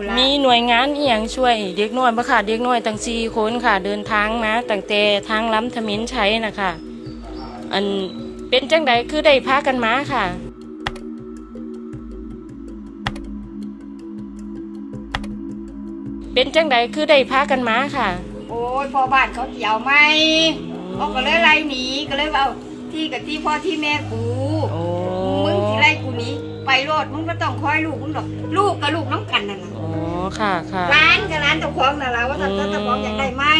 มีหน่วยงานอีหยังช่วยเด็กน้อยบ่ค่ะเด็กน้อยตั้ง4 คนค่ะเดินทางมาตั้งแต่ทางล้ำทมิฬไชัยนะคะอันเป็นจังใดคือได้พากันมาค่ะเป็นจังใดคือได้พากันมาค่ะโอ้ยพ่อบ้านเขาเกี่ยวไหมเขาก็เลยไล่หนีก็เลยเอาที่กับที่พ่อที่แม่กูมึงที่ไล่กูหนีไปโลดมึงก็ต้องคอยลูกมึงหรอกลูกกับลูกน้องกันนั่นแหละอ๋อค่ะค่ะร้านกับร้านเจ้าของนั่นแหละว่าเจ้าของอยากได้ไหม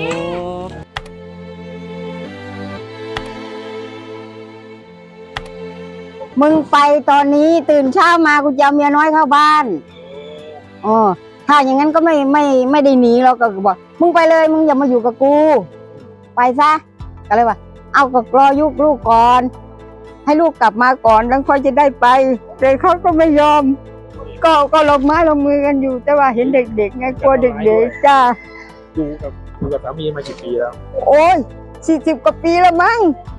มึงไปตอนนี้ตื่นเช้ามากูจะเอาเมียน้อยเข้าบ้านอ๋อถ้าอย่างนั้นก็ไม่ได้หนีเราก็บอกมึงไปเลยมึงอย่ามาอยู่กับกูไปซะก็เลยว่าเอาก็รอยุกลูกก่อนให้ลูกกลับมาก่อนแล้วค่อยจะได้ไปแต่เขาก็ไม่ยอมก็ลงไม้ลงมือกันอยู่แต่ว่าเห็นเด็กๆไงกลัวเด็กๆจ้าอยู่กับสามีมากี่ปีแล้วโอ้ย40 กว่าปีแล้วมั้ง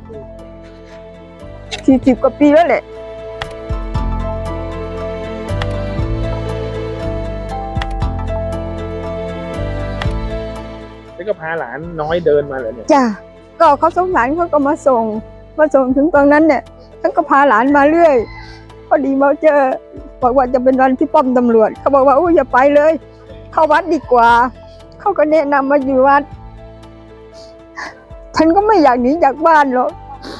40 กว่าปีแล้วแหละแล้วก็พาหลานน้อยเดินมาเลยเนี่ยจ้าก็เขาสงสารเขาก็มาส่งถึงตรงนั้นเนี่ยฉันก็พาหลานมาเรื่อยพอดีมาเจอบอกว่าจะเป็นวันที่ป้อมตำรวจเขาบอกว่าอย่าไปเลยเข้าวัดดีกว่าเขาก็แนะนำมาอยู่วัดฉันก็ไม่อยากหนีจากบ้านหรอก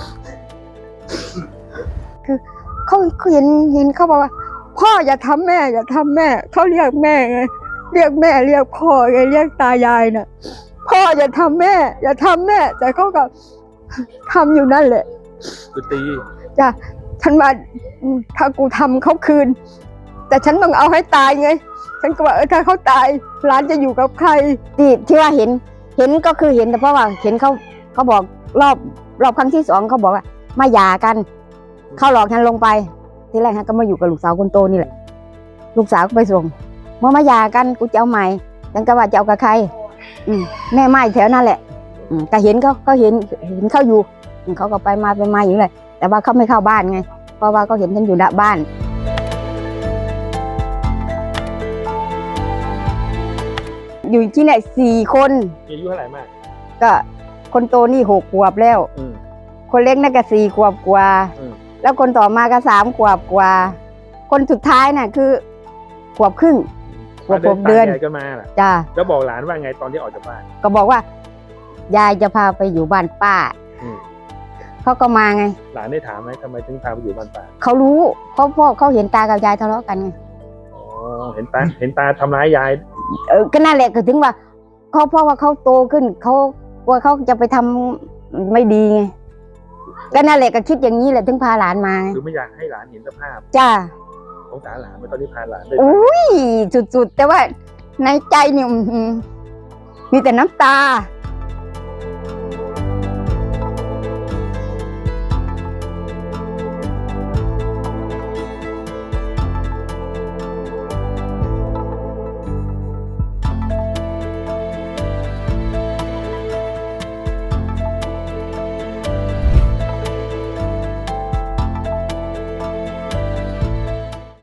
คือเขาเห็นเขาบอกว่าพ่ออย่าทำแม่อย่าทำแม่เขาเรียกแม่ไงเรียกแม่เรียกพ่อไงเรียกตายายน่ะพ่ออย่าทำแม่อย่าทำแม่แต่เขาก็ทำอยู่นั่นแหละคือตีจ้ะฉันมาถ้ากูทำเขาคืนแต่ฉันต้องเอาให้ตายไงฉันก็ว่าถ้าเขาตายหลานจะอยู่กับใครที่ว่าเห็นก็คือเห็นแต่เพราะว่าเห็นเขาบอกรอบครั้งที่ 2เขาบอกว่ามาหย่ากันเขาหลอกฉันลงไปทีแรกก็มาอยู่กับลูกสาวคนโตนี่แหละลูกสาวก็ไปส่งมาหย่ากันกูจะเอาใหม่ฉันก็ว่าจะเอากับใครแม่ไม้แถวนั่นแหละแต่เห็นเขาเห็นเขาอยู่เขาก็ไปมาอยู่เลยแต่ว่าเขาไม่เข้าบ้านไงเพราะว่าเขาเห็นฉันอยู่หน้าบ้านอยู่ที่ไหน4 คนอายุเท่าไหร่มากก็คนโตนี่6 ขวบแล้วคนเล็กนั่นก็4 ขวบกว่าแล้วคนต่อมาก็3 ขวบกว่าคนสุดท้ายน่ะคือ1 ขวบครึ่ง6 เดือนก็มาล่ะจ้าแล้วบอกหลานว่าไงตอนที่ออกจากบ้านก็บอกว่ายายจะพาไปอยู่บ้านป้าเขาก็มาไงหลานได้ถามไหมทำไมถึงพาไปอยู่บ้านป้าเขารู้เพราะพ่อเขาเห็นตากับยายทะเลาะกันไงอ๋อเห็นตาทำร้ายยายก็นั่นแหละก็ถึงว่าเพราะว่าเขาโตขึ้นเขาว่าเขาจะไปทำไม่ดีไงก็นั่นแหละก็คิดอย่างนี้แหละถึงพาหลานมาคือไม่อยากให้หลานเห็นสภาพจ้าของหลานตอนนี้พาหลานไปอุ้ยสุดๆแต่ว่าในใจเนี่ยมีแต่น้ำตา